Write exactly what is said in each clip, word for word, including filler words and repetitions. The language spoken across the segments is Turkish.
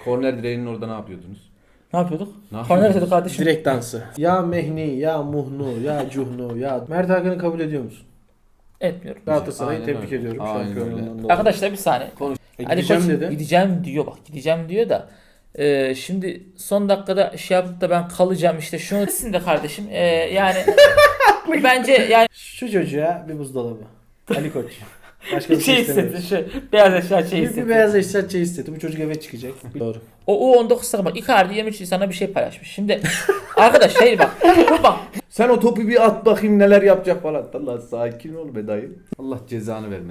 Korner direğinin orada ne yapıyordunuz? Ne yapıyorduk? Ne Korner yapıyordunuz? dedik kardeşim. Direkt dansı. Ya Mehni, ya Muhnu, ya Cuhnu, ya... Mert Hakan'ı kabul ediyor musun? Etmiyorum. Galatasaray'ı Aynen tebrik öyle. ediyorum Aynen şampiyonluğundan öyle. dolayı. Arkadaşlar bir saniye. Konuş. E, Ali gideceğim Koç dedi. gideceğim diyor, bak gideceğim diyor da e, şimdi son dakikada şey yapıp da ben kalacağım işte şunu desin de kardeşim e, yani bence yani Şu çocuğa bir buzdolabı. Ali Koç. Başka bir şey şey hissetti istemiyoruz. şu beyaz eşya şey Bir, bir hissetti. beyaz eşya şey istedi. Bu çocuk eve çıkacak. Doğru. O U on dokuz takım bak Icardi yirmi üç Nisan'da bir şey paylaşmış. Şimdi arkadaş hayır bak dur bak Sen o topu bir at bakayım neler yapacak falan. Allah sakin ol be dayı. Allah cezanı vermesin.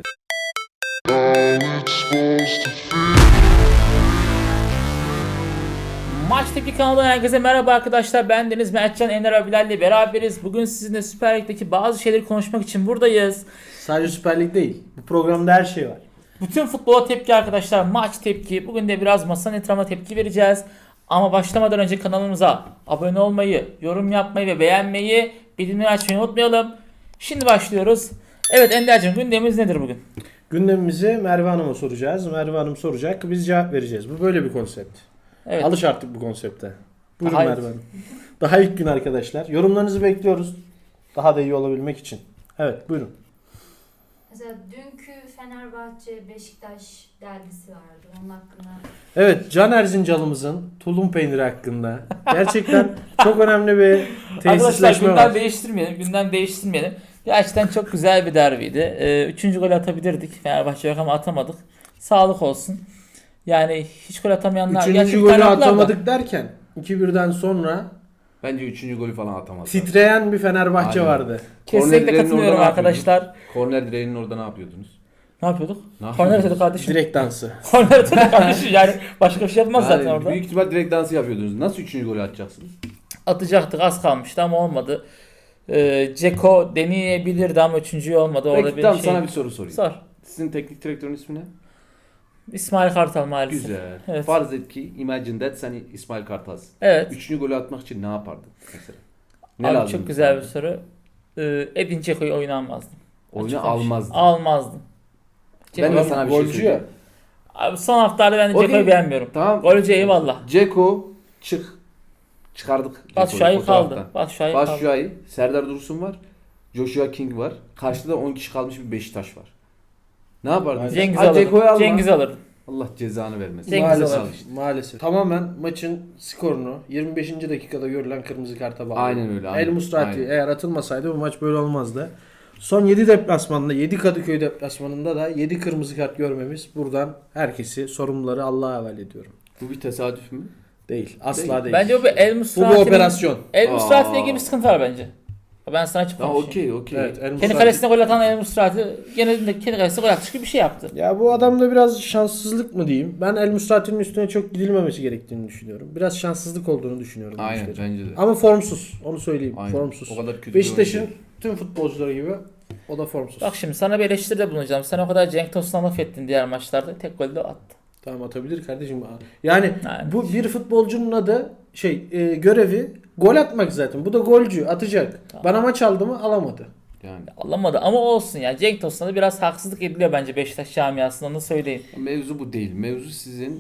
Maç Tepki kanalından herkese merhaba arkadaşlar. Ben Deniz Mertcan, Ender Abiler'le beraberiz. Bugün sizinle Süper Lig'deki bazı şeyleri konuşmak için buradayız. Sadece Süper Lig değil. Bu programda her şey var. Bütün futbola tepki arkadaşlar. Maç tepki. Bugün de biraz masanın etrafına tepki vereceğiz. Ama başlamadan önce kanalımıza abone olmayı, yorum yapmayı ve beğenmeyi, bildirimleri açmayı unutmayalım. Şimdi başlıyoruz. Evet Ender'cim gündemimiz nedir bugün? Gündemimizi Merve Hanım'a soracağız. Merve Hanım soracak. Biz cevap vereceğiz. Bu böyle bir konsept. Evet. Alış artık bu konsepte. Buyurun Daha Merve ilk- Hanım. Daha ilk gün arkadaşlar. Yorumlarınızı bekliyoruz. Daha da iyi olabilmek için. Evet buyurun. Mesela dünkü Fenerbahçe Beşiktaş derbisi vardı. Onun hakkında Evet Can Erzincan'ımızın tulum peyniri hakkında gerçekten çok önemli bir Arkadaşlar tesisleşme gündem var. değiştirmeyelim. Gündem değiştirmeyelim. Gerçekten çok güzel bir derbiydi. Ee, üçüncü gol atabilirdik. Fenerbahçe yok ama atamadık. Sağlık olsun. Yani hiç gol atamayanlar. Üçüncü Gerçi bir golü tane attılar da. atamadık derken iki birden sonra Bence üçüncü golü falan atamaz. titreyen bir Fenerbahçe Aynen. vardı. Kesinlikle Korner direğinin katılıyorum orada ne arkadaşlar. Korner direğinin orada ne yapıyordunuz? Ne yapıyorduk? Ne Korner yapıyordunuz? dedik kardeşim. Direkt dansı. Korner dedik kardeşim. Yani başka bir şey yapmaz Yani zaten orada. büyük ihtimal direkt dansı yapıyordunuz. Nasıl üçüncü golü atacaksınız? Atacaktık, az kalmıştı ama olmadı. Ee, Ceko deneyebilirdi ama üçüncüyü olmadı. Orada Peki bir tamam şey... sana bir soru sorayım. Sor. Sizin teknik direktörün ismi ne? İsmail Kartal maalesef. Güzel. Evet. Farz et ki imagine that sen İsmail Kartal'sın. Evet. Üçüncü golü atmak için ne yapardın mesela? Ne Abi lazım çok güzel sana? bir soru. Ee, Edin Dzeko'yu oyuna almazdım. Oyunu Açık konuşayım. almazdın. Almazdım. Ben de Dzeko- sana bir şey Golcü söyleyeyim. ya. Abi son haftalarda ben de O Dzeko'yu değil. beğenmiyorum. Tamam. Golcü eyvallah. Ceko çık. Çıkardık. Batshuayi Ceko'yu kaldı. fotoğraftan. Batshuayi kaldı. Batshuayi, Serdar Dursun var. Joshua King var. Karşıda on kişi kalmış bir Beşiktaş var. Ne yapardın? Cengiz Ha, Ceko'yu alırdım. alma. Cengiz alırdım. Allah cezanı vermesin. Cengiz Maalesef. alır. Maalesef. Tamamen maçın skorunu yirmi beşinci dakikada görülen kırmızı karta bağlı. Aynen öyle, aynen. El Musrati Aynen. eğer atılmasaydı bu maç böyle olmazdı. Son yedi deplasmanda, yedi Kadıköy deplasmanında da yedi kırmızı kart görmemiz buradan herkesi, sorumluları Allah'a havale ediyorum. Bu bir tesadüf mü? Değil. Asla Değil. değil. Bence bu El bu Musrati'nin... bir operasyon. El Aa. Musrati'yle ilgili bir sıkıntı var bence. Ben sana açık Ha konuşayım. okey okey. Evet, El Kendi Musrati. kalesine gol atan El Musrati genelinde kendi kalesine gol atmış gibi bir şey yaptı. Ya bu adamda biraz şanssızlık mı diyeyim? Ben El Musrati'nin üstüne çok gidilmemesi gerektiğini düşünüyorum. Biraz şanssızlık olduğunu düşünüyorum. bu Aynen işlerin. bence de. Ama formsuz. Onu söyleyeyim. Aynen. Formsuz. O kadar kötü bir Beşiktaş'ın oyuncu. tüm futbolcuları gibi o da formsuz. Bak şimdi sana bir eleştiride bulunacağım. Sen o kadar Cenk Tosun'a laf ettin diğer maçlarda. Tek golü de o attı. Tamam atabilir kardeşim. Yani Yani. bu bir futbolcunun adı şey e, görevi gol atmak zaten. Bu da golcü atacak. Tamam. Bana maç aldı mı alamadı. Yani Alamadı ama olsun ya. Cenk Tosun'a da biraz haksızlık ediliyor bence Beşiktaş camiasında, onu söyleyeyim. mevzu bu değil. Mevzu sizin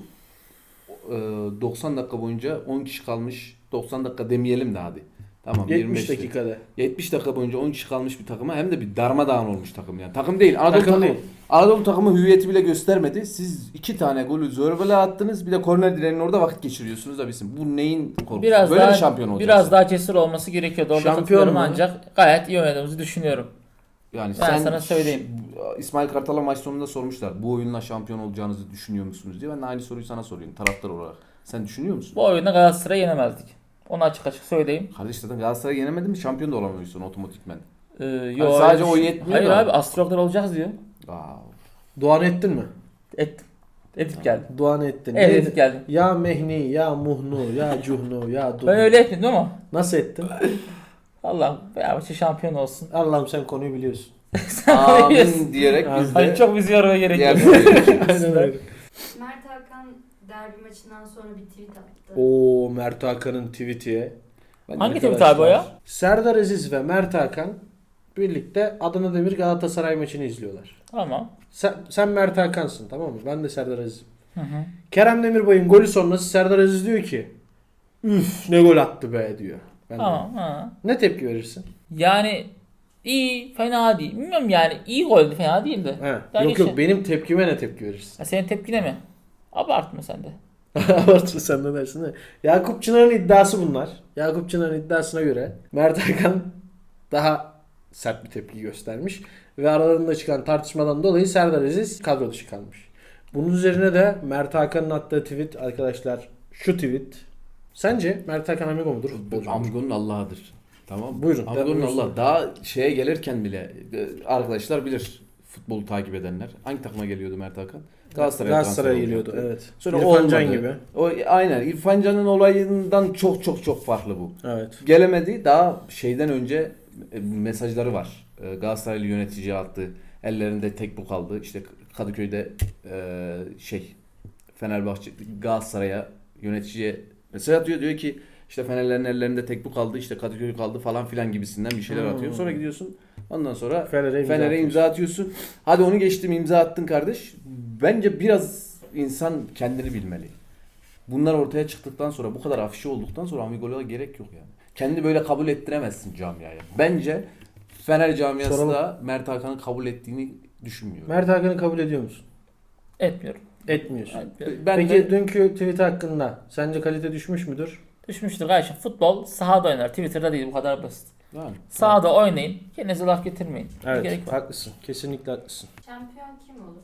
e, doksan dakika boyunca on kişi kalmış. doksan dakika demeyelim de hadi. Tamam yirmi beş yetmiş dakikada. yetmiş dakika boyunca on kişi kalmış bir takıma hem de bir darmadağın olmuş takım yani. Takım değil. Anadolu Takım takımı. değil. Anadolu takımı hüviyeti bile göstermedi. Siz iki tane golü zorbele attınız. Bir de korner direğinin orada vakit geçiriyorsunuz da bizim. Bu neyin korkusu? Biraz Böyle daha mi şampiyon olacaksın? biraz daha cesur olması gerekiyordu. Orada Şampiyon katılıyorum mu? ancak gayet iyi oynadığımızı düşünüyorum. Yani Ben sen sana söyleyeyim. İsmail Kartal'a maç sonunda sormuşlar. Bu oyunla şampiyon olacağınızı düşünüyor musunuz diye. Ben de aynı soruyu sana soruyorum taraftar olarak. Sen düşünüyor musun? Bu oyunda Galatasaray'ı yenemezdik. Onu açık açık söyleyeyim. Kardeş zaten Galatasaray'ı yenemedin mi şampiyon da olamıyorsun otomatikmen. Ee, Hani yo, sadece öyle o bir- yetmiyor Hayır da. abi astrologlar olacağız diyor. Aa, Duan ettin mi? Ettim. Edip geldim. Duan ettin. Evet Neydi? edip geldim. Ya Mehni, ya Muhnu, ya Cuhnu, ya Duhnu. Ben öyle etmedim ama Nasıl ettin? Allah'ım Fenerbahçe şampiyon olsun. Allah'ım sen konuyu biliyorsun. amin diyerek biz Hani de çok bizi yormaya gerek diğer yok. soruya geçelim. Aynen öyle. Mert Hakan derbi maçından sonra bir tweet attı. Oo Mert Hakan'ın tweet'i. Ben de Hangi arkadaşlar- tweet abi o ya? Serdar Aziz ve Mert Hakan birlikte Adana Demir Galatasaray maçını izliyorlar. Tamam. Sen, sen Mert Hakan'sın tamam mı? Ben de Serdar Aziz'im. Hı hı. Kerem Demirbay'ın golü sonrası Serdar Aziz diyor ki üf ne gol attı be diyor. Ben de- Tamam. Ha. Ne tepki verirsin? Yani iyi, fena değil. Bilmiyorum yani iyi goldü, fena değildi. He. Daha Yok yok geçen- benim tepkime ne tepki verirsin? Ha, senin tepkine mi? Abartma sen de. Abartma sen de dersin de. Yakup Çınar'ın iddiası bunlar. Yakup Çınar'ın iddiasına göre Mert Hakan daha sert bir tepki göstermiş. Ve aralarında çıkan tartışmadan dolayı Serdar Aziz kadro dışı kalmış. Bunun üzerine de Mert Hakan'ın attığı tweet arkadaşlar şu tweet. Sence Mert Hakan amigo mudur? Futbolcu mudur? Amigo'nun Allah'ıdır. Tamam mı? Buyurun, Amigo'nun buyursun. Allah. Daha şeye gelirken bile e, arkadaşlar bilir, futbolu takip edenler. Hangi takıma geliyordu Mert Hakan? Galatasaray'a Galatasaray'a transfer geliyordu olacaktı. evet. Sonra İrfan Can olmadı. gibi. O aynen İrfan Can'ın olayından çok çok çok farklı bu. Evet. Gelemedi. Daha şeyden önce e, mesajları var. E, Galatasaraylı yöneticiye attı. Ellerinde tek bu kaldı. İşte Kadıköy'de e, şey Fenerbahçe Galatasaray'a yöneticiye mesaj atıyor. Diyor ki işte Fenerlerin ellerinde tek bu kaldı. İşte Kadıköy kaldı falan filan gibisinden bir şeyler Hmm. atıyor. Sonra gidiyorsun. Ondan sonra Fener'e imza Fener'e atıyorsun. imza atıyorsun. Hadi onu geçtim, imza attın kardeş. Bence biraz insan kendini bilmeli. Bunlar ortaya çıktıktan sonra, bu kadar afişi olduktan sonra amigoluğa gerek yok yani. Kendini böyle kabul ettiremezsin camiaya. Bence Fener camiası Soralım. da Mert Hakan'ı kabul ettiğini düşünmüyorum. Mert Hakan'ı kabul ediyor musun? Etmiyorum. Etmiyorsun. Etmiyorum. Ben Peki de dünkü tweet hakkında sence kalite düşmüş müdür? Düşmüştür kardeşim. Futbol sahada oynar. Twitter'da değil, bu kadar basit. yani, Sahada oynayın. Kendinize laf getirmeyin. Bir Evet gerek var. haklısın. Kesinlikle haklısın. Şampiyon kim olur?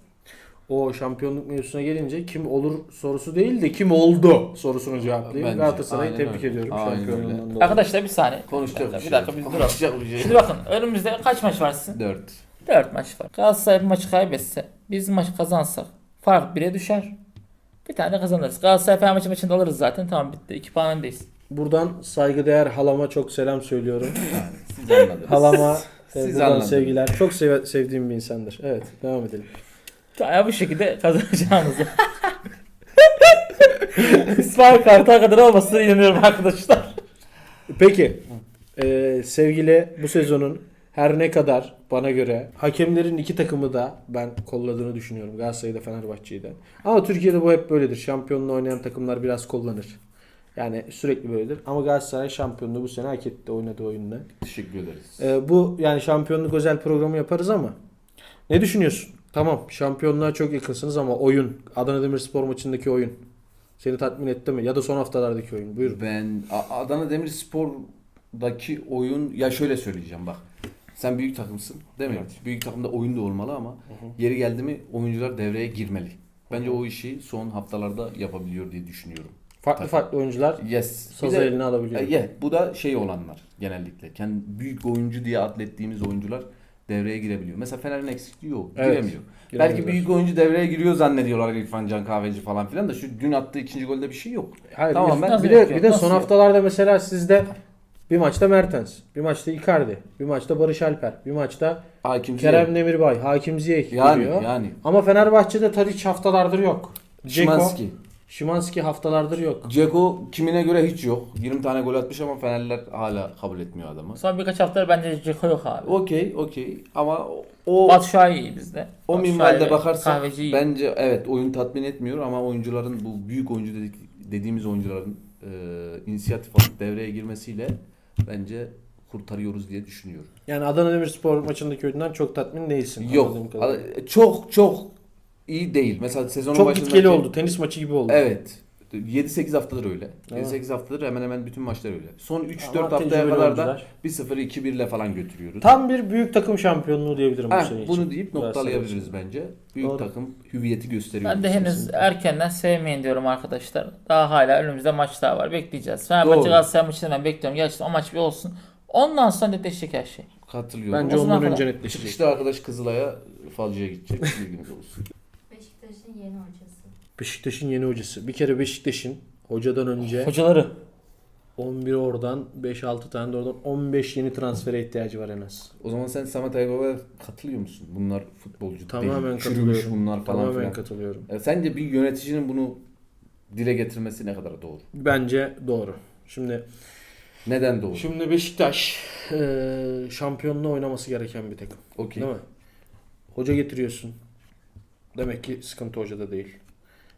O şampiyonluk mevzusuna gelince kim olur sorusu değil de kim oldu sorusunu cevaplayayım. Bence. Galatasaray'ı Aynen tebrik öyle. ediyorum Aynen şampiyonluğundan dolayı. Arkadaşlar bir saniye. konuşacak bir bir şey. dakika biz duralım. Konuşacak bir şey. Şimdi bakın önümüzde kaç maç var sizin? dört. dört maç var. Galatasaray bir maçı kaybetse, biz maçı kazansak fark bire düşer. Bir tane kazanırız. Galatasaray Fenerbahçe maçında alırız zaten. Tamam bitti. iki puan öndeyiz. Buradan saygıdeğer halama çok selam söylüyorum. Siz anladınız. Halama e, Siz buradan anladınız. sevgiler. Çok seve- sevdiğim bir insandır. Evet devam edelim. Ya bu şekilde kazanacağımızı. İsmail Kartal kadar olmasına inanıyorum arkadaşlar. Peki e, sevgili bu sezonun her ne kadar bana göre hakemlerin iki takımı da ben kolladığını düşünüyorum. Galatasaray'ı da Fenerbahçe'yi de. Ama Türkiye'de bu hep böyledir. Şampiyonluğu oynayan takımlar biraz kullanır. Yani sürekli böyledir. Ama Galatasaray şampiyonluğu bu sene hak etti oynadığı oyunda. Teşekkür ederiz. E, bu yani şampiyonluk özel programı yaparız ama ne düşünüyorsun? Tamam şampiyonluğa çok yakınsınız ama oyun Adana Demirspor maçındaki oyun seni tatmin etti mi? Ya da son haftalardaki oyun. Buyurun. Ben A- Adana Demirspor'daki oyun, ya şöyle söyleyeceğim bak. Sen büyük takımsın değil mi? Büyük takımda oyun da olmalı ama yeri geldi mi oyuncular devreye girmeli. Bence o işi son haftalarda yapabiliyor diye düşünüyorum. Farklı Tabii. farklı oyuncular Yes. Bir sazı de- eline alabiliyor. E, yeah, bu da şey olanlar genellikle. Kendi büyük oyuncu diye atlettiğimiz oyuncular devreye girebiliyor. Mesela Fener'in eksikliği yok. Evet. Giremiyor. Giremiyorlar. Belki büyük oyuncu devreye giriyor zannediyorlar İrfan Can Kahveci falan filan da şu dün attığı ikinci golde bir şey yok. Hayır, Tamam, bir, ben- bir Nasıl de yok, bir de nasıl son yok? haftalarda mesela sizde bir maçta Mertens, bir maçta Icardi, bir maçta Barış Alper, bir maçta Hakim Kerem Demirbay, Hakim Ziyech yani giriyor. yani Ama Fenerbahçe'de Tadic haftalardır yok. Dzeko, Şimanski. Şimanski haftalardır yok. Dzeko kimine göre hiç yok. yirmi tane gol atmış ama Fenerliler hala kabul etmiyor adamı. Son birkaç haftadır bence Ceko yok abi. Okey, okey ama o Batu Şahin iyi bizde. o Batu minvalde Şahin, bakarsak Kahveci iyi. bence evet oyun tatmin etmiyor ama oyuncuların bu büyük oyuncu dedik, dediğimiz oyuncuların e, inisiyatif alıp devreye girmesiyle bence kurtarıyoruz diye düşünüyorum. Yani Adana Demirspor maçındaki oyundan çok tatmin değilsin. Yok. anladığım kadarıyla. a- Çok çok iyi değil. Mesela sezonun Çok başındaki gitgeli oldu. Tenis maçı gibi oldu. Evet. yedi sekiz haftadır öyle. Tamam. yedi sekiz haftadır hemen hemen bütün maçlar öyle. Son üç Ama dört haftaya tecrübeli kadar da oyuncular. bir sıfır iki bir ile falan götürüyoruz. Tam bir büyük takım şampiyonluğu diyebilirim bu Ha, sene için. bunu deyip noktalayabiliriz Galatasaray bence. Büyük Doğru. takım hüviyeti gösteriyor. Ben de henüz Kesinlikle. erkenden sevmeyin diyorum arkadaşlar. Daha hala önümüzde maçlar var. Bekleyeceğiz. Fenerbahçe Doğru. Galatasaray maçını ben bekliyorum. Gerçekten o maç bir olsun. Ondan sonra netleşecek her şey. Katılıyorum. Bence O zaman ondan kadar. önce netleşecek. Çıkışta arkadaş Kızılay'a falcıya gidecek. Bilginiz olsun. Beşiktaş'ın yeni hocası. Beşiktaş'ın yeni hocası. Bir kere Beşiktaş'ın hocadan önce Hocaları. on bir oradan beş altı tane de oradan on beş yeni transfere ihtiyacı var en az. O zaman sen Samet Aybaba'ya katılıyor musun? Bunlar futbolcu Tamamen değil. Çürümüş katılıyorum. bunlar falan Tamamen filan. katılıyorum. E, sence bir yöneticinin bunu dile getirmesi ne kadar doğru? Bence doğru. Şimdi Neden doğru? şimdi Beşiktaş eee şampiyonluğu oynaması gereken bir takım. Okey. Değil mi? Hoca getiriyorsun. Demek ki sıkıntı hocada değil.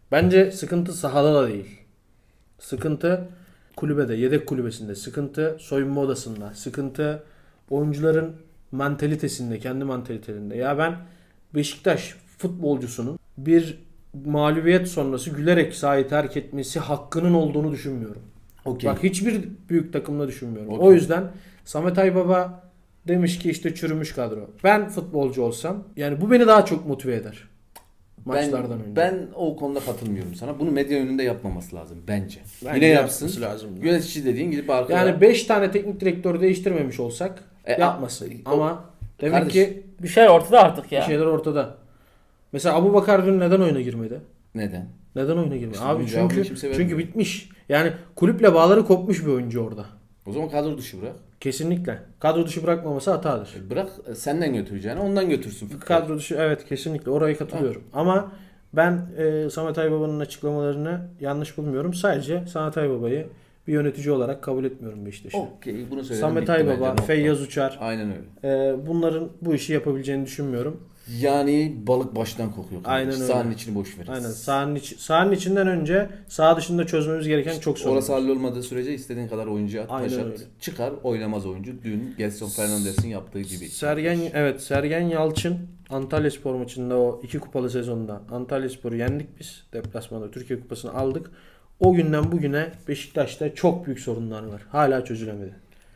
Bence sıkıntı sahada da değil. Sıkıntı kulübede, yedek kulübesinde. Sıkıntı soyunma odasında. Sıkıntı oyuncuların mantalitesinde, kendi mantalitelerinde. Ya ben Beşiktaş futbolcusunun bir mağlubiyet sonrası gülerek sahayı terk etmesi hakkının olduğunu düşünmüyorum. Okey. Bak hiçbir büyük takımda düşünmüyorum. Okey. O yüzden Samet Aybaba demiş ki işte çürümüş kadro. Ben futbolcu olsam yani bu beni daha çok motive eder. Maçlardan ben, önce. Ben o konuda katılmıyorum sana. Bunu medya önünde yapmaması lazım bence. Bence Yine yapsın. yapması lazım. Yönetici dediğin gidip arkaya. Yani beş tane teknik direktör değiştirmemiş olsak E, yapmasın. o- Ama demek Kardeş, ki Bir şey ortada artık bir ya. şeyler ortada. Mesela Abubakar dün neden oyuna girmedi? Neden? Neden oyuna girmedi? İşte Abi bunun cevabını çünkü kimse vermiyor. çünkü bitmiş. Yani kulüple bağları kopmuş bir oyuncu orada. O zaman kadro dışı bırak. Kesinlikle. Kadro dışı bırakmaması hatadır. E, Bırak e, senden götüreceğini ondan götürsün. futbol. Kadro dışı evet kesinlikle oraya katılıyorum. Ama ben e, Samet Aybaba'nın açıklamalarını yanlış bulmuyorum. Sadece Samet Aybaba'yı bir yönetici olarak kabul etmiyorum Beşiktaş'ın. Okey bunu söyledim. Samet bitti bence, Aybaba, nokta. Feyyaz Uçar Aynen öyle. e, bunların bu işi yapabileceğini düşünmüyorum. Yani balık baştan kokuyor. kardeş. Aynen öyle. Sahanın içini boş verin. Aynen. Sahanın, içi, sahanın içinden önce saha dışında çözmemiz gereken çok sorun. Orası var. hallolmadığı sürece istediğin kadar oyuncu at, Aynen taş at. öyle. Çıkar oynamaz oyuncu. Dün Gelson Fernandes'in yaptığı gibi. Sergen evet Sergen Yalçın Antalyaspor maçında o iki kupalı sezonda Antalyaspor'u yendik biz. Deplasmanda Türkiye Kupası'nı aldık. O günden bugüne Beşiktaş'ta çok büyük sorunlar var. Hala çözülemedi.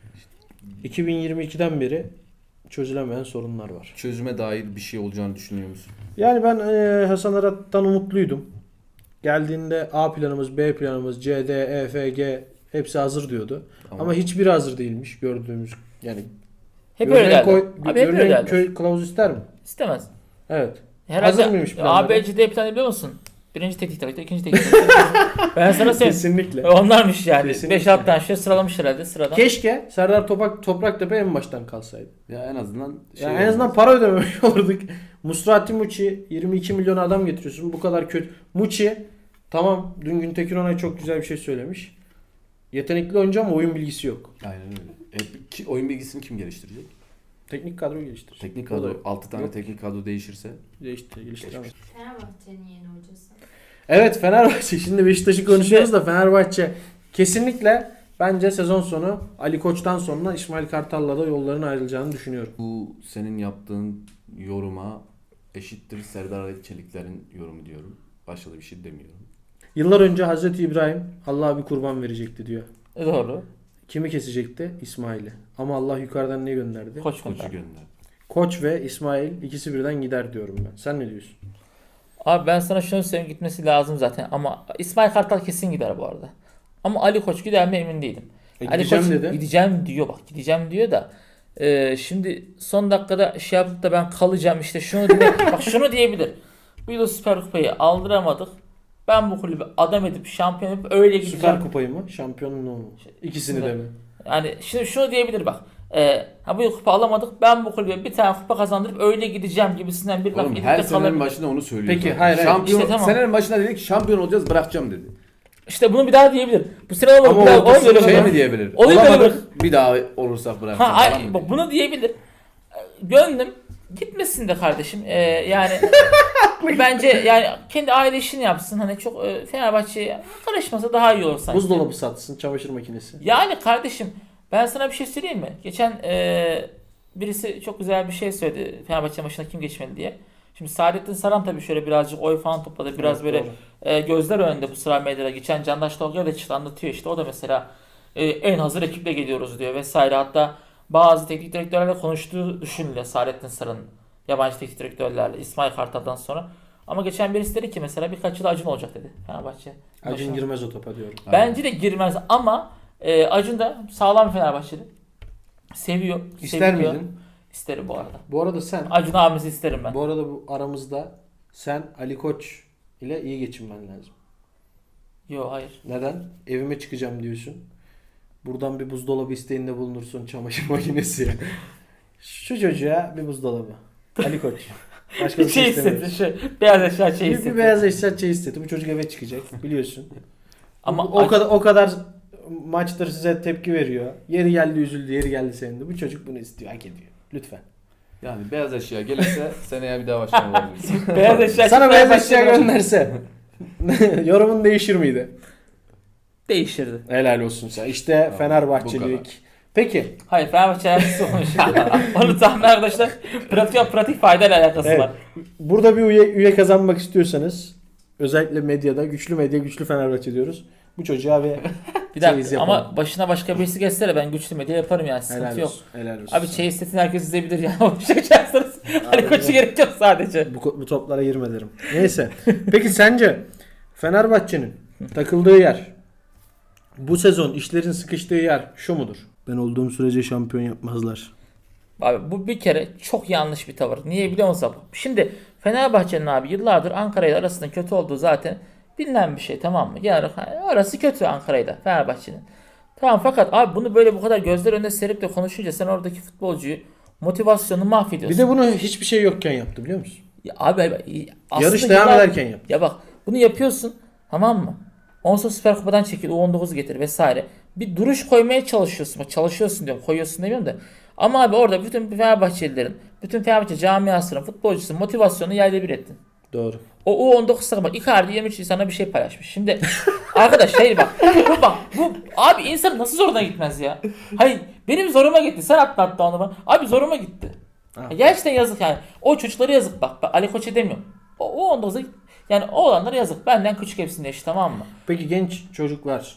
iki bin yirmi ikiden beri çözülemeyen sorunlar var. Çözüme dair bir şey olacağını düşünüyor musun? Yani ben e, Hasan Arat'tan umutluydum. Geldiğinde A planımız, B planımız, C, D, E, F, G hepsi hazır diyordu. Ama- Ama hiçbiri hazır değilmiş gördüğümüz. Yani Hep görünen öyle derler. koy- Abi hep görünen öyle derler. köy kılavuz ister mi? İstemez. Evet. Herhalde Hazır mıymış planları? A B C D planı biliyor musun? Birinci teknik direktör, ikinci teknik direktör. Ben sana söyleyeyim. Kesinlikle. Onlarmış yani. Kesinlikle. beş altı tane şey sıralamış herhalde sıradan. Keşke Serdar Topak, Topraktepe en baştan kalsaydı. Ya en azından şey Yani en azından olmaz. para ödememiş olurduk. Musrati Muçi yirmi iki milyon adam getiriyorsun. Bu kadar kötü. Muçi tamam dün Güntekin Onay çok güzel bir şey söylemiş. Yetenekli oyuncu ama oyun bilgisi yok. Aynen öyle. E, ki, oyun bilgisini kim geliştirecek? Teknik kadro geliştirir. Teknik O da kadro altı tane yok. teknik kadro değişirse Geliştirir, geliştiremez. Fenerbahçe'nin yeni hocası. Evet Fenerbahçe. Şimdi Beşiktaş'ı konuşuyoruz da Fenerbahçe kesinlikle bence sezon sonu Ali Koç'tan sonra İsmail Kartal'la da yolların ayrılacağını düşünüyorum. bu senin yaptığın yoruma eşittir Serdar Ali Çelikler'in yorumu diyorum. Başka da bir şey demiyorum. Yıllar önce Hazreti İbrahim Allah'a bir kurban verecekti diyor. E, Doğru. Kimi kesecekti? İsmail'i. Ama Allah yukarıdan ne gönderdi? Koç Koçu konuda. gönder. Koç ve İsmail ikisi birden gider diyorum ben. Sen ne diyorsun? Abi ben sana şunu söyleyeyim, gitmesi lazım zaten ama İsmail Kartal kesin gider bu arada. Ama Ali Koç gider mi emin değilim. E, Ali gideceğim Koç dedi. gideceğim diyor, bak gideceğim diyor da e, şimdi son dakikada şey yapıp da ben kalacağım işte şunu diye, bak şunu diyebilir. Bu yıl Süper Kupayı aldıramadık. Ben bu kulübü adam edip şampiyon yapıp öyle gideceğim. Süper Kupayı mı? Şampiyonluğu mu? İkisini de mi? Yani şimdi şunu diyebilir bak. E, ha bu yıl kupa alamadık. Ben bu kulübe bir tane kupa kazandırıp öyle gideceğim gibisinden bir laf Oğlum edip her de senenin kalabilir. başında onu söylüyor. Peki, zaten. hayır, hayır. Şampiyon, İşte tamam. Senenin başında dedi ki şampiyon olacağız bırakacağım dedi. İşte bunu bir daha diyebilir. Bu sene olur. Ama Bir daha, ortasında ona göre Şey bırak. mi diyebilir? Olayı böyle Olamadık bir daha olursak bırakacağım. Ha, falan ay, mı bak diyor? bunu diyebilir. Gönlüm gitmesin de kardeşim. Ee, yani bence yani kendi aile işini yapsın. Hani çok e, Fenerbahçe'ye karışmasa daha iyi olur sanki. Buzdolabı satsın, çamaşır makinesi. Yani kardeşim ben sana bir şey söyleyeyim mi? Geçen e, birisi çok güzel bir şey söyledi. Fenerbahçe maçına kim geçmeli diye. Şimdi Saadettin Saran tabii şöyle birazcık oy falan topladı. Biraz Evet, böyle doğru. e, gözler önünde bu sıra medyada. Geçen Candaş Tolga da çıktı anlatıyor işte. O da mesela e, en hazır ekiple geliyoruz diyor vesaire. Hatta bazı teknik direktörlerle konuştuğu düşünülüyor Saadettin Saran'ın. Yabancı teknik direktörlerle İsmail Kartal'dan sonra. Ama geçen birisi dedi ki mesela birkaç yıl Acun olacak dedi Fenerbahçe. Acun Başına. girmez o topa diyorum. Bence de girmez ama e, Acun da sağlam bir Fenerbahçeli. Seviyor. İster seviliyor. miydin? İsterim bu arada. Bu arada sen, Acun abimizi isterim ben. bu arada bu aramızda sen Ali Koç ile iyi geçinmen lazım. Yok hayır. Neden? Evime çıkacağım diyorsun. Buradan bir buzdolabı isteğinde bulunursun, çamaşır makinesi. Şu çocuğa bir buzdolabı. Ali Koç. Başka Bir bir şey şey istemiyoruz. istedi. Şu beyaz eşya şey Bir, istedi. bir beyaz eşya şey istedi. Bu çocuk eve çıkacak biliyorsun. Ama o, o kadar o kadar maçtır size tepki veriyor. Yeri geldi üzüldü, yeri geldi sevindi. Bu çocuk bunu istiyor, hak ediyor. Lütfen. Yani beyaz eşya gelirse seneye bir daha başkan olabilirsin. beyaz eşya Sana çıkmaya beyaz eşya başladı. gönderse. Yorumun değişir miydi? Değişirdi. Helal olsun sen. İşte bu Fenerbahçelilik. Peki. Hayır Fenerbahçe alakası olmuş. Onu tahmin arkadaşlar. Pratik, pratik faydayla alakası Evet. var. Burada bir üye, üye kazanmak istiyorsanız özellikle medyada güçlü medya güçlü Fenerbahçe diyoruz. Bu çocuğa ve Bir çeyiz dakika yapalım. ama başına başka birisi geçse de ben güçlü medya yaparım yani. Sıkıntı helal yok. olsun. Helal olsun. Abi çeyiz sesini herkes izleyebilir ya. O şey açarsanız. Hani koçu gerek yok sadece. Bu, bu toplara girme derim. Neyse. Peki sence Fenerbahçe'nin takıldığı yer, bu sezon işlerin sıkıştığı yer şu mudur? Ben olduğum sürece şampiyon yapmazlar. Abi bu bir kere çok yanlış bir tavır. Niye biliyor musun? Şimdi Fenerbahçe'nin abi yıllardır Ankara ile arasında kötü olduğu zaten bilinen bir şey, tamam mı? Yani arası kötü Ankara ile Fenerbahçe'nin. Tamam, fakat abi bunu böyle bu kadar gözler önüne serip de konuşunca sen oradaki futbolcuyu motivasyonunu mahvediyorsun. Bir de bunu hiçbir şey yokken yaptı biliyor musun? Ya abi, abi aslında Yarış devam yıllar- ederken yaptı. Ya bak bunu yapıyorsun, tamam mı? Ondan sonra Süper Kupa'dan çekil, U on dokuz getir vesaire. Bir duruş koymaya çalışıyorsun. Bak çalışıyorsun diyorum, koyuyorsun demiyorum da. Ama abi orada bütün Fenerbahçelilerin, bütün Fenerbahçe camiasının, futbolcusunun motivasyonunu yerle bir ettin. Doğru. O U on dokuz takım bak, Icardi yirmi üç Nisan'da bir şey paylaşmış. Şimdi arkadaş şey bak, bu bak bu abi insan nasıl zoruna gitmez ya? Hayır benim zoruma gitti. Sen atla hatta onu bana. Abi zoruma gitti. Ha. Ya gerçekten yazık yani. O çocuklara yazık bak. Ben Ali Koç'a demiyorum. O U on dokuza yani o olanlara yazık. Benden küçük hepsinin eşi, tamam mı? Peki genç çocuklar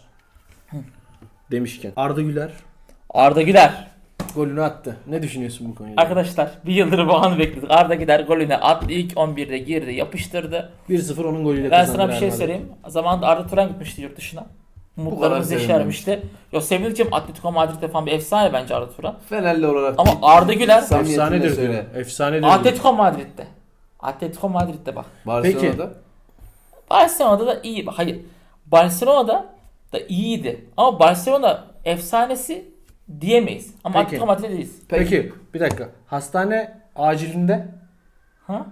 demişken Arda Güler Arda Güler. golünü attı. Ne düşünüyorsun bu konuda? Arkadaşlar bir yıldır bu anı bekledik. Arda Güler golüne attı. İlk on birde girdi, yapıştırdı. bir sıfır onun golüyle Ben kazandı sana bir Real şey Madrid. söyleyeyim. Zamanında Arda Turan gitmişti yurt dışına. Umutlarımız kadar yeşermişti. Yo sevinirken Atletico Madrid'de falan bir efsane bence Arda Turan. Fenerli olarak Ama Arda Güler samimiyetle Efsanedir söyle. diyor. Efsanedir diyor. Atletico Madrid'de. Atletico Madrid'de bak. Barcelona'da. Barcelona'da da iyi. Bak hayır. Barcelona'da da iyiydi. Ama Barcelona efsanesi diyemeyiz. Ama Peki. Atletico Madrid'de değiliz. Peki. bir dakika. Hastane acilinde Ha?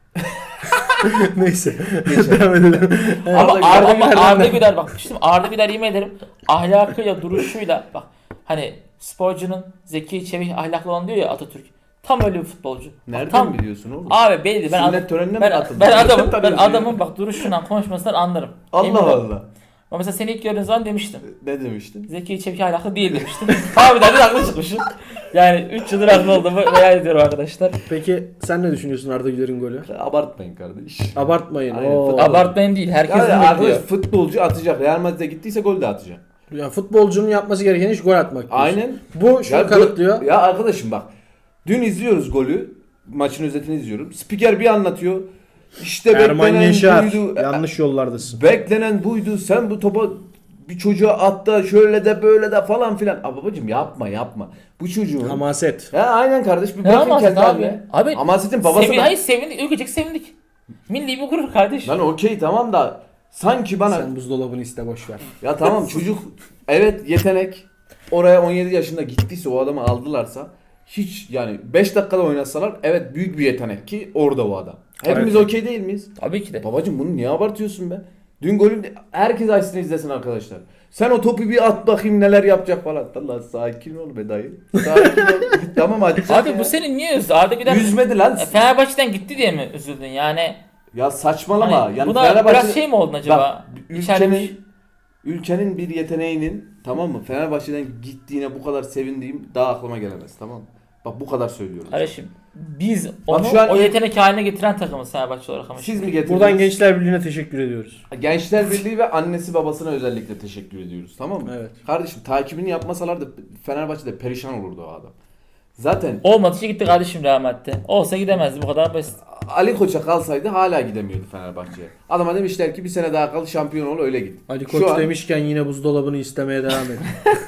neyse. Devam edelim. Ama Arda Arda, Güler- ama Arda Güler bak. Şimdi Arda Güler yemin ederim ahlakıyla, duruşuyla bak. Hani sporcunun zeki, çevik, ahlaklı olan diyor ya Atatürk. Tam öyle bir futbolcu. Bak, Nereden tam, biliyorsun oğlum? Abi belli. Ben, Sünnet adam, törenine mi ben, katıldın? ben adamın, ben Tanıyorsun adamın bak duruşundan, konuşmasından anlarım. Allah Eminim. Allah. Ama mesela seni ilk gördüğün zaman demiştim. Ne demiştin? Zeki, çevik, ahlaklı değil demiştim. Harbiden de haklı çıkmışım. Yani üç yıldır haklı olduğumu hayal ediyorum arkadaşlar. Peki sen ne düşünüyorsun Arda Güler'in golü? Abartmayın kardeş. Abartmayın. Aynen, Oo. futbol- Abartmayın değil. Herkes Yani bunu arkadaş bekliyor. futbolcu atacak. Real Madrid'e gittiyse gol de atacak. Ya futbolcunun yapması gereken iş gol atmak. diyorsun. Aynen. Bu şunu Ya, kanıtlıyor. Ya arkadaşım bak. Dün izliyoruz golü. Maçın özetini izliyorum. Spiker bir anlatıyor. İşte Erman beklenen Yaşar. buydu. Yanlış yollardasın. Beklenen buydu. Sen bu topa bir çocuğa at da şöyle de böyle de falan filan. Abi babacım yapma yapma. Bu çocuğun. Hamaset. Ya aynen kardeş bir Ne bırakın hamaset kendi abi? haline. Abi, Hamasetin babası Sevi da- hayır sevindik. Ülkecek sevindik. Milli bir gurur kardeş. Lan okey tamam da sanki bana Sen buzdolabını iste boş ver. ya tamam çocuk evet yetenek oraya on yedi yaşında gittiyse o adamı aldılarsa hiç yani beş dakikada oynasalar evet büyük bir yetenek ki orada o adam. Hepimiz Evet. okey değil miyiz? Tabii ki de. Babacım bunu niye abartıyorsun be? Dün golün herkes açsın izlesin arkadaşlar. Sen o topu bir at bakayım neler yapacak falan. Allah sakin ol be dayı. Sakin ol. Tamam atacak Abi ya. bu senin niye üzdü? Arda Güler Üzmedi lan. E, Fenerbahçe'den gitti diye mi üzüldün yani? Ya saçmalama. Hani yani buna Fenerbahçe- biraz şey mi oldun acaba? Bak, İçeride ülkenin, ülkenin bir yeteneğinin tamam mı Fenerbahçe'den gittiğine bu kadar sevindiğim daha aklıma gelemez tamam mı? Bak bu kadar söylüyorum. Kardeşim biz onu şu an- o yetenek haline getiren takımız Fenerbahçe olarak ama. Siz mi getirdiniz? Buradan Gençler Birliği'ne teşekkür ediyoruz. Gençler Birliği ve annesi babasına özellikle teşekkür ediyoruz tamam mı? Evet. Kardeşim takibini yapmasalardı Fenerbahçe'de perişan olurdu o adam. Zaten Olmadı ki gitti kardeşim Real Madrid'de. Olsa gidemezdi bu kadar basit. Ali Koç'a kalsaydı hala gidemiyordu Fenerbahçe'ye. Adama demişler ki bir sene daha kal şampiyon ol öyle git. Ali Şu Koç an- demişken yine buzdolabını istemeye devam edin.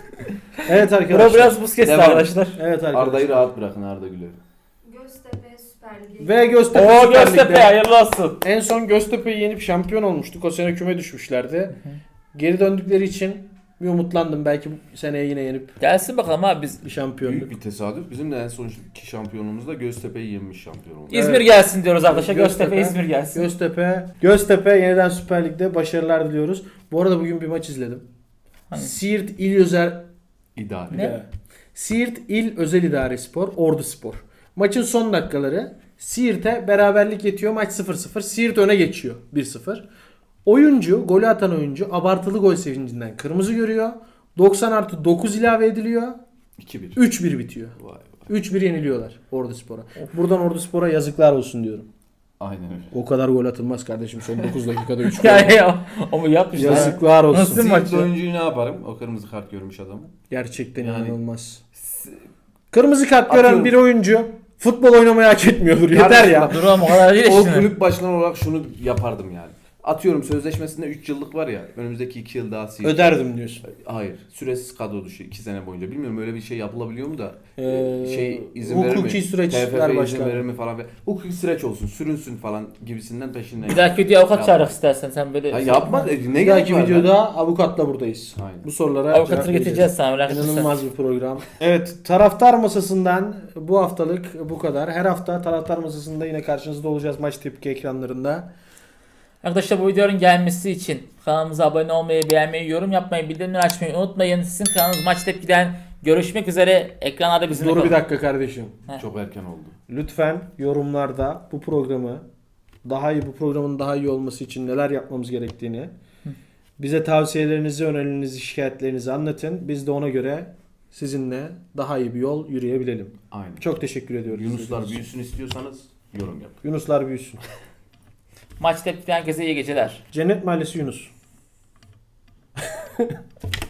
Evet Bura arkadaşlar. biraz buz kesti Devam. arkadaşlar. Evet arkadaşlar. Arda'yı rahat bırakın Arda Güler'i. Göztepe Süper Ligi. Ve Göztepe Oo Süper Göztepe Lig'de hayırlı olsun. en son Göztepe'yi yenip şampiyon olmuştuk. O sene küme düşmüşlerdi. Geri döndükleri için bir umutlandım. Belki bu seneye yine yenip Gelsin bakalım abi biz. bir şampiyonluk. Büyük bir tesadüf. Bizim de en sonki şampiyonumuzda Göztepe'yi yenmiş şampiyon oldu. İzmir Evet. gelsin diyoruz arkadaşlar. Göztepe, Göztepe, İzmir gelsin. Göztepe, Göztepe yeniden Süper Lig'de başarılar diliyoruz. Bu arada bugün bir maç izledim. Hangi? Siirt İl Özel İdare. Ne? Siirt İl Özel İdare Spor, Ordu Spor. Maçın son dakikaları Siirt'e beraberlik yetiyor. Maç sıfır sıfır. Siirt öne geçiyor bir sıfır. Oyuncu, golü atan oyuncu abartılı gol sevincinden kırmızı görüyor. doksan artı dokuz ilave ediliyor. iki bir. üç bir bitiyor. Vay vay. üç bir yeniliyorlar Orduspor'a. Buradan Orduspor'a yazıklar olsun diyorum. Aynen öyle. O kadar gol atılmaz kardeşim. Son dokuz dakikada üç gol. Ya ya ama yapmışlar. Yazıklar olsun. Nasıl Zil maçı? oyuncuyu ne yaparım? O kırmızı kart görmüş adamı. Gerçekten Yani- inanılmaz. Kırmızı kart gören Atıyorum. bir oyuncu futbol oynamayı hak etmiyordur. Yeter ya. Dur oğlum o kadar değil O işte. kulüp başkanı olarak şunu yapardım yani. Atıyorum sözleşmesinde üç yıllık var ya. Önümüzdeki iki yıl daha sil. Öderdim diyorsun. Hayır. Süresiz kadro dışı iki sene boyunca. Bilmiyorum öyle bir şey yapılabiliyor mu da. Ee, şey izin verir mi? hukuki süreçler T F F izin başkanı. verir mi falan. Hukuki süreç olsun. Sürünsün falan gibisinden peşinden. Bir dahaki videoya avukat Yapma. çağırmak istersen sen böyle. Ha, yapma. E, Ne Bir gerek dahaki var videoda avukatla buradayız. Aynen. Bu sorulara Avukatını cevap vereceğiz. getireceğiz sana merak etme sen. İnanılmaz bir program. Evet, taraftar masasından bu haftalık bu kadar. Her hafta taraftar masasında yine karşınızda olacağız maç tepki ekranlarında. Arkadaşlar bu videonun gelmesi için kanalımıza abone olmayı, beğenmeyi, yorum yapmayı, bildirimleri açmayı unutmayın. Sizin kanalınız Maç Tepki'den görüşmek üzere. Ekranlarda bizimle Dur bir kalın. dakika kardeşim. Çok erken oldu. Lütfen yorumlarda bu programı daha iyi, bu programın daha iyi olması için neler yapmamız gerektiğini, bize tavsiyelerinizi, önerilerinizi, şikayetlerinizi anlatın. Biz de ona göre sizinle daha iyi bir yol yürüyebilelim. Aynen. Çok teşekkür ediyoruz. Yunuslar büyüsün istiyorsanız yorum yapın. Yunuslar büyüsün. Maç Tepki'den herkese iyi geceler. Cennet Mahallesi Yunus.